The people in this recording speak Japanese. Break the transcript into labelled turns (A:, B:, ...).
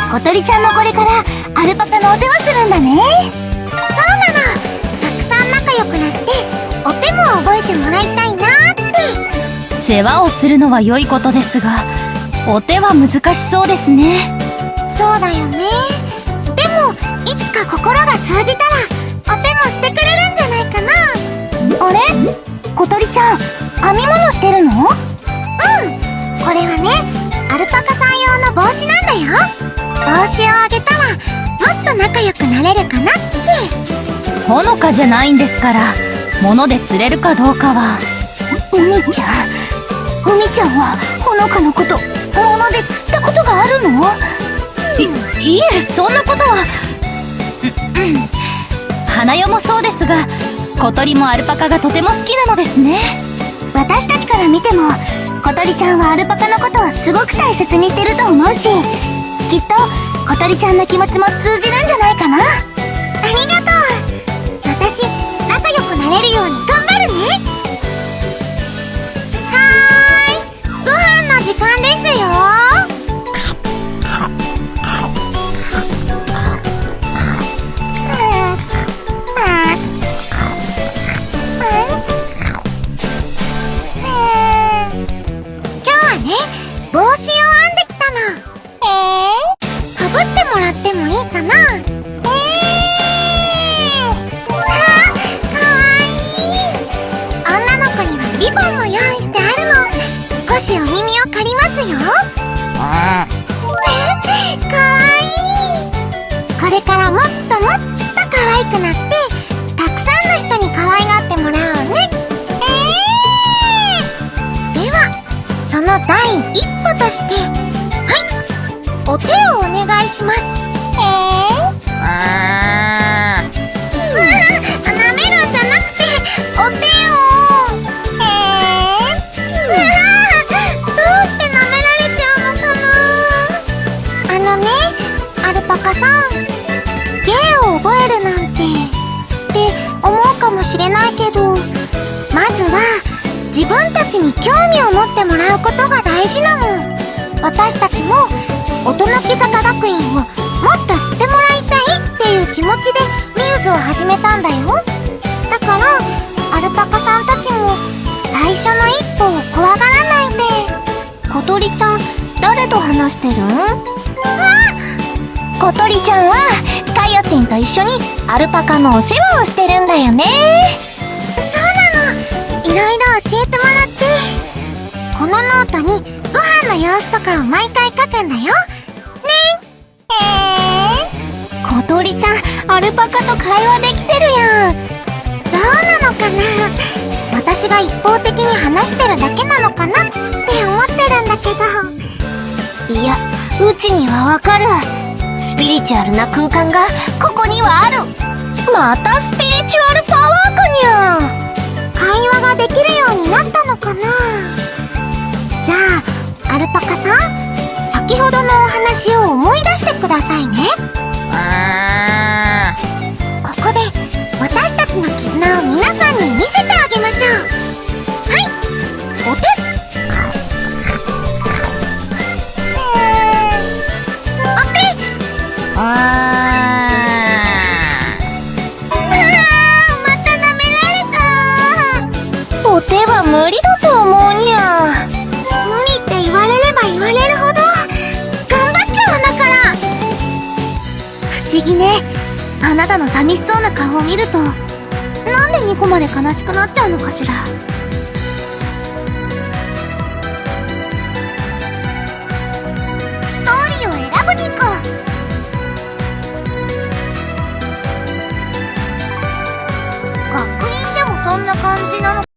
A: 小鳥ちゃんもこれからアルパカのお世話するんだね。
B: そうなの。たくさん仲良くなってお手も覚えてもらいたいなって。
C: 世話をするのは良いことですが、お手は難しそうですね。
B: そうだよね。でもいつか心が通じたらお手もしてくれるんじゃないかな。
A: あれ、小鳥ちゃん編み物してるの？
B: これはね、アルパカさん用の帽子なんだよ。帽子をあげたらもっと仲良くなれるかなって。
C: ほのかじゃないんですから、物で釣れるかどうかは。
A: 海ちゃんはほのかのこと物で釣ったことがあるの？
C: いえ、そんなことは。花代もそうですが、小鳥もアルパカがとても好きなのですね。
A: 私たちから見ても小鳥ちゃんはアルパカのことをすごく大切にしてると思うし、きっと小鳥ちゃんの気持ちも通じるんじゃないかな。
B: ありがとう。私仲良くなれるように頑張るね。はーい、ご飯の時間ですよ。帽子を編んできたの。かぶってもらってもいいかな。かわいい。女の子にはリボンも用意してあるの。少しお耳を借りますよ。かわいい。これからもっともっと可愛くなってたくさんの人に可愛がってもらおうね。ではその第一歩として、お手をお願いします。舐めるんじゃなくてお手を。どうして舐められちゃうのかな。アルパカさん、芸を覚えるなんてって思うかもしれないけど、まずは自分たちに興味を持ってもらうことが大事なの。私たちも音ノ木坂学院をもっと知ってもらいたいっていう気持ちでミューズを始めたんだよ。だからアルパカさんたちも最初の一歩を怖がらないで。
A: 小鳥ちゃん誰と話してるん？小鳥ちゃんはカヨチンと一緒にアルパカのお世話をしてるんだよね。
B: そうなの。いろいろ教えてもらって、このノートにご飯の様子とかを毎回書くんだよね。
A: 小鳥ちゃんアルパカと会話できてるやん。
B: どうなのかな。私が一方的に話してるだけなのかなって思ってるんだけど。
A: いや、うちにはわかる。スピリチュアルな空間がここにはある。またスピリチュアルパワーかにゃ。
B: 会話ができるようになったのかな。じゃあアルパカさん、先ほどのお話を思い出してくださいね。ここで私たちの絆を皆さんに見せてあげましょう。はい、お手。
A: お手は無理だと思うにゃ。
B: 無理って言われれば言われるほど頑張っちゃうんだから。
A: 不思議ね。あなたの寂しそうな顔を見るとなんでニコまで悲しくなっちゃうのかしら。
B: ストーリーを選ぶニコ。学院でもそんな感じなの